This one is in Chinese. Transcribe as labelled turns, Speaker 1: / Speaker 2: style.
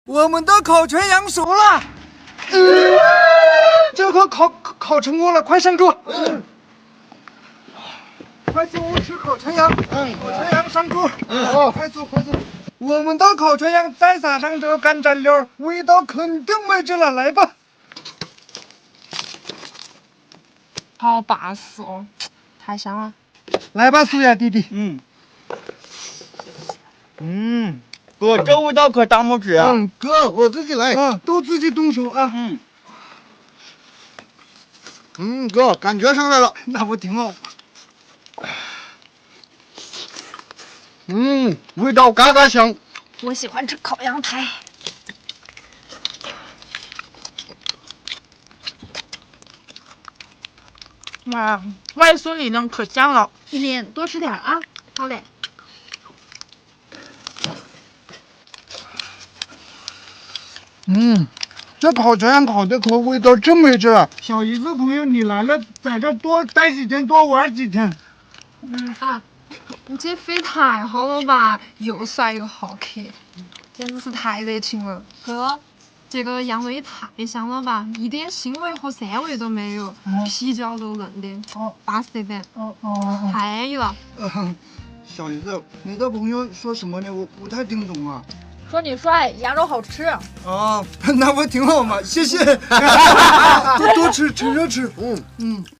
Speaker 1: 我们的烤全羊熟了，这可烤成功了，快上桌。快进屋吃烤全羊，烤全羊上桌。快坐快坐。我们的烤全羊再撒上这干蘸料，味道肯定没这了，来吧。
Speaker 2: 好巴适哦，太香了。
Speaker 1: 来吧，苏雅弟弟。
Speaker 3: 哥，这味道可当不起啊！
Speaker 1: 哥，我自己来。都自己动手啊。
Speaker 3: 哥，感觉上来了。
Speaker 1: 那不挺好？
Speaker 3: 味道嘎嘎香。
Speaker 2: 我喜欢吃烤羊排。哇，外孙女呢可香了，一年多吃点啊。好嘞。
Speaker 1: 这烤全羊烤的可味道真没劲儿。小姨子朋友，你来了，在这多待几天，多玩几天。
Speaker 2: 你这肺太好了吧，又帅又好客，简直是太热情了。哥，这个羊味太香了吧，一点腥味和膻味都没有，皮焦肉嫩的，巴适得很。太安逸了。
Speaker 1: 小姨子，你的朋友说什么呢？我不太听懂啊。
Speaker 2: 说你帅，羊肉好吃。
Speaker 1: 那不挺好吗？谢谢。多吃，趁热吃。